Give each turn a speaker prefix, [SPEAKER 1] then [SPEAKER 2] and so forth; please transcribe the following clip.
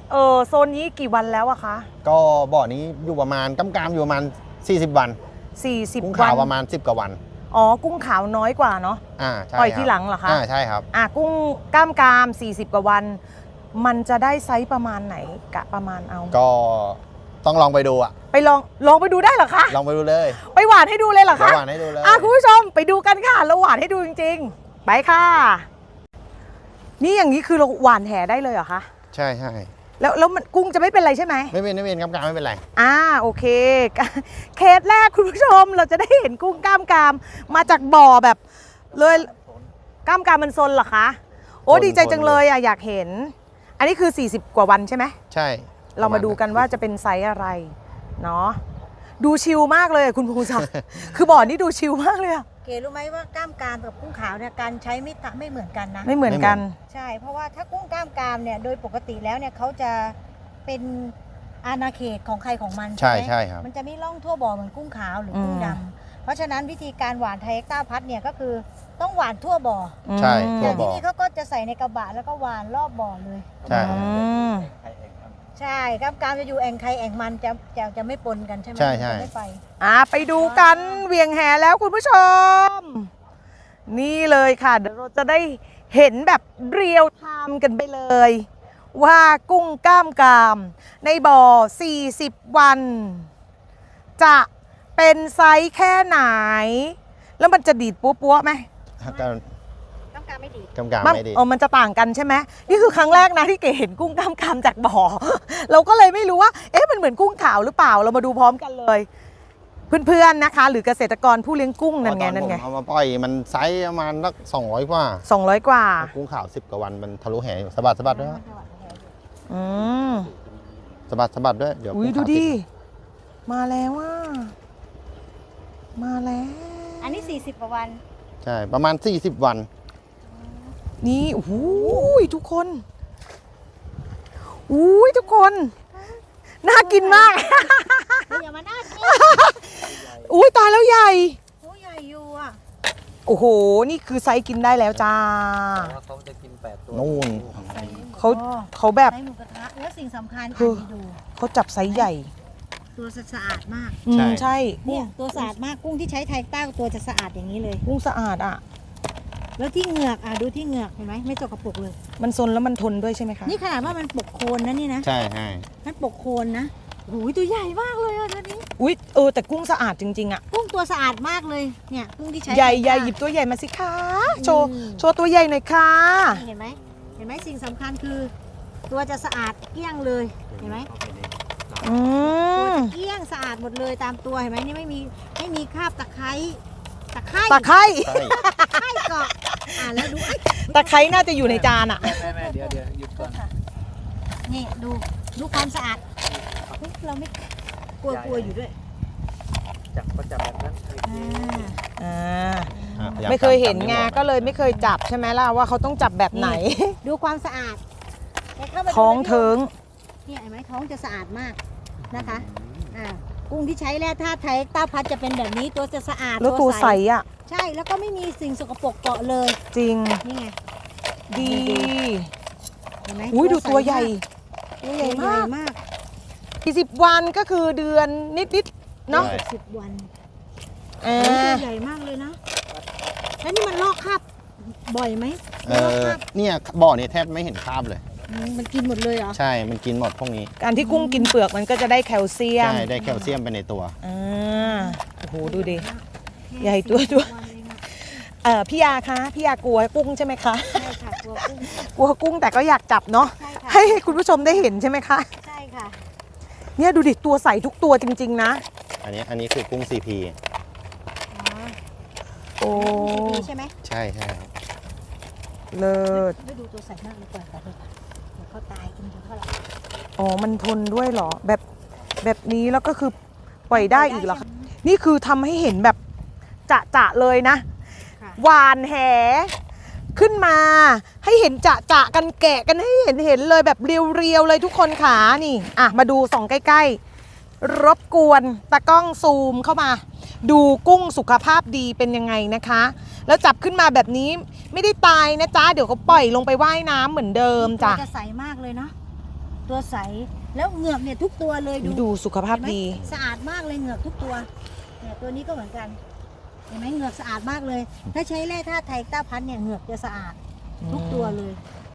[SPEAKER 1] โซนนี้กี่วันแล้วอะคะ
[SPEAKER 2] ก็บ่อนี้อยู่ประมาณกำอยู่ประมาณ40 วัน
[SPEAKER 1] 40
[SPEAKER 2] กุ้ง
[SPEAKER 1] วั
[SPEAKER 2] ขาน วประมาณ10 กว่าวัน
[SPEAKER 1] อ๋อกุ้งขาวน้อยกว่าเนาะ
[SPEAKER 2] ใช่
[SPEAKER 1] ปล่อยที่หลังเหรอคะ
[SPEAKER 2] ใช่ครับ
[SPEAKER 1] กุ้งกล้าม40 กว่าวันมันจะได้ไซส์ประมาณไหนกะประมาณเอา
[SPEAKER 2] ก็ต้องลองไปดูอะ
[SPEAKER 1] ไปลองไปดูได้เหรอคะ
[SPEAKER 2] ลองไปดูเลย
[SPEAKER 1] ไปหวานให้ดูเลยเหรอคะ
[SPEAKER 2] หวานให้ดูเลย
[SPEAKER 1] คุณผู้ชมไปดูกันค่ะเราหวานให้ดูจริงๆไปค่ะนี่อย่างนี้คือเราหวานแหได้เลยเหรอคะ
[SPEAKER 2] ใช่
[SPEAKER 1] แล้วมันกุ้งจะไม่เป็นไรใช่ไหม
[SPEAKER 2] ไม่เป็นกำไม่เป็นไร
[SPEAKER 1] โอเคเคสแรกคุณผู้ชมเราจะได้เห็นกุ้งกล้ามมาจากบ่อแบบเลยกล้ามมันซนเหรอคะโอ้ดีใจจังเลยอยากเห็นอันนี้คือ40 กว่าวันใช่ไหม
[SPEAKER 2] ใช่
[SPEAKER 1] เรามาดูกันว่าจะเป็นไซส์อะไรเนาะดูชิลมากเลยคุณภูมิศักดิ์คือบ่อนี่ดูชิลมากเลย
[SPEAKER 3] เก๋รู้ไหมว่ากล้ามกรามกับกุ้งขาวเนี่ยการใช้ไม่เหมือนกันนะ
[SPEAKER 1] ไม่เหมือนกัน
[SPEAKER 3] ใช่เพราะว่าถ้ากุ้งกล้ามกรามเนี่ยโดยปกติแล้วเนี่ยเขาจะเป็นอาณาเขตของใครของมัน
[SPEAKER 2] ใช่ครับ
[SPEAKER 3] มันจะไม่ล่องทั่วบ่อเหมือนกุ้งขาวหรือกุ้งดำเพราะฉะนั้นวิธีการหวานไทยต้าพัดเนี่ยก็คือต้องหวานทั่วบ่อ
[SPEAKER 2] ใช่ทั่วบ่อ
[SPEAKER 3] ที่นี่เขาก็จะใส่ในกระบะแล้วก็หวานรอบบ่อเลย
[SPEAKER 2] ใช่
[SPEAKER 3] ใช่กล้ามกรามจะอยู่แอ่งใครแอ่งมันจะไม่ปนกันใช่ไหม
[SPEAKER 2] ใช่
[SPEAKER 3] ไม่ไป
[SPEAKER 1] ไปดูกันเวียงแหแล้วคุณผู้ชมนี่เลยค่ะเดี๋ยวเราจะได้เห็นแบบเรียลไทม์กันไปเลยว่ากุ้งกล้ามกรามในบ่อ40 วันจะเป็นไซส์แค่ไหนแล้วมันจะดีดปั๊วไหม
[SPEAKER 3] กล้ามกรามไม่ดี
[SPEAKER 1] มันจะต่างกันใช่ไหมนี่คือครั้งแรกนะที่เก๋เห็นกุ้งกล้ามกรามจากบ่อเราก็เลยไม่รู้ว่ามันเหมือนกุ้งขาวหรือเปล่าเรามาดูพร้อมกันเลยเพื่อนๆนะคะหรือเกษตรกรผู้เลี้ยงกุ้งนั่นไง
[SPEAKER 2] เอามาปล่อยมันไซส์ประมาณสัก200 กว่ากุ้งขาว10 กว่าวันมันทะลุแหสะบัดด้วยสะบัดด้วยเดี๋ยว
[SPEAKER 1] ดูดิมาแล้วมาแล้ว
[SPEAKER 3] อันนี้40 กว่าวัน
[SPEAKER 2] ใช่ประมาณ40 วัน
[SPEAKER 1] นี่โอ้โหทุกคนน่ากินมาก
[SPEAKER 3] อย่ามาน่ากิน
[SPEAKER 1] ตายแล้วใหญ่
[SPEAKER 3] ใหญ่อยู่
[SPEAKER 1] โอ้โหนี่คือไซส์กินได้แล้วจ้า
[SPEAKER 4] เขาจะกิน8 ตัว
[SPEAKER 2] นู่น
[SPEAKER 1] เขาแบบ
[SPEAKER 3] ไซส์หมูกระทะแล้วสิ่งสำคัญ
[SPEAKER 1] คือเขาจับไซส์ใหญ่
[SPEAKER 3] ตัวสะอาดมาก
[SPEAKER 1] ใช่
[SPEAKER 3] เนี่ยตัวสะอาดมากกุ้งที่ใช้ไทยต้าตัวจะสะอาดอย่างนี้เลย
[SPEAKER 1] กุ้งสะอาด
[SPEAKER 3] แล้วที่เหงือกดูที่เหงือกเห็นไหมไม่สกปรกเลย
[SPEAKER 1] มันซนแล้วมันทนด้วยใช่ไหมคะ
[SPEAKER 3] นี่ขนาดว่ามันปกโคนนะนี่นะ
[SPEAKER 2] ใช่
[SPEAKER 3] มันปกโคนนะโอ้ยตัวใหญ่มากเลยตัวนี้
[SPEAKER 1] แต่กุ้งสะอาดจริงๆ
[SPEAKER 3] กุ้งตัวสะอาดมากเลยเนี่ยกุ้งที่ใช้
[SPEAKER 1] ใหญ่หยิบตัวใหญ่มาสิคะโชว์ตัวใหญ่หน่อยค่ะ
[SPEAKER 3] เห็นไหมสิ่งสำคัญคือตัวจะสะอาดเกลี้ยงเลยเห็นไหมตัวเกลี้ยงสะอาดหมดเลยตามตัวเห็นไหมนี่ไม่มีคราบตะไคร้เกาะแล้วดู
[SPEAKER 1] ตะไคร้น่าจะอยู่ในจาน
[SPEAKER 4] แม่เดี๋ยวหยุดก่อน
[SPEAKER 3] นี่ดูความสะอาดเราไม่กลัวอยู่ด้วย
[SPEAKER 4] จับแบบนั้น
[SPEAKER 1] ไม่เคยเห็นไงก็เลยไม่เคยจับใช่ไหมล่ะว่าเขาต้องจับแบบไหน
[SPEAKER 3] ดูความสะอาด
[SPEAKER 1] ท้องเทิง
[SPEAKER 3] เนี่ยเห็นไหมท้องจะสะอาดมากนะคะกุ้งที่ใช้แร่ธาตุไทยต้าพัดจะเป็นแบบนี้ตัวจะสะอาด
[SPEAKER 1] แล้วตัวใส
[SPEAKER 3] ใช่แล้วก็ไม่มีสิ่งสกปรกเกาะเลย
[SPEAKER 1] จริง
[SPEAKER 3] นี่ไง
[SPEAKER 1] ดี
[SPEAKER 3] เห็นไหม
[SPEAKER 1] ดูตัวใหญ่
[SPEAKER 3] มาก
[SPEAKER 1] 40 วันก็คือเดือนนิดเนาะ
[SPEAKER 3] 10 วันตัวใหญ่มากเลยนะแล้วนี่มันลอกคราบบ่อยไหม
[SPEAKER 2] เนี่ยบ่อนี้แทบไม่เห็นคราบเลย
[SPEAKER 3] มันกินหมดเลยเหรอ
[SPEAKER 2] ใช่มันกินหมดพวกนี้
[SPEAKER 1] การที่กุ้งกินเปลือกมันก็จะได้แคลเซียม
[SPEAKER 2] ใช่ได้แคลเซียมไปในตัว
[SPEAKER 1] โอ้โหดูดิใหญ่ตัวพี่ยาคะพี่ยากลัวกุ้งใช่ไหมคะ
[SPEAKER 3] ใช่ค่ะกลั
[SPEAKER 1] วกุ้งแต่ก็อยากจับเนาะให้คุณผู้ชมได้เห็นใช่ไหมคะ
[SPEAKER 3] ใช่ค่ะ
[SPEAKER 1] เนี่ยดูดิตัวใสทุกตัวจริงๆนะ
[SPEAKER 2] อันนี้คือกุ้ง CP
[SPEAKER 1] โอ้
[SPEAKER 3] ใช่ไหม
[SPEAKER 2] ใช่
[SPEAKER 1] เลิศ
[SPEAKER 3] ไม่ดูตัวใสมากเลยก่อนแต่เขาตายกินเท่าไห
[SPEAKER 1] ร่มันทนด้วยเหรอแบบนี้แล้วก็คือปล่อยได้อีกเหรอคะนี่คือทำให้เห็นแบบจะเลยนะหวานแหขึ้นมาให้เห็นจะกันแกะกันให้เห็นเลยแบบเรียวๆเลยทุกคนขานี่มาดูส่องใกล้ๆรบกวนตากล้องซูมเข้ามาดูกุ้งสุขภาพดีเป็นยังไงนะคะแล้วจับขึ้นมาแบบนี้ไม่ได้ตายนะจ๊ะเดี๋ยวเขาปล่อยลงไปว่ายน้ำเหมือนเดิมจ้ะ
[SPEAKER 3] จะใสมากเลยเนาะตัวใสแล้วเหงือกเนี่ยทุกตัวเลย
[SPEAKER 1] ดูสุขภาพ
[SPEAKER 3] เห็นไหม
[SPEAKER 1] ดี
[SPEAKER 3] สะอาดมากเลยเหงือกทุกตัวเนี่ยตัวนี้ก็เหมือนกันเห็นไหมเหงือกสะอาดมากเลย ถ้าใช้แร่ธาตุไทยต้าพันเนี่ยเหงือกจะสะอาดทุกตัวเลย
[SPEAKER 1] อ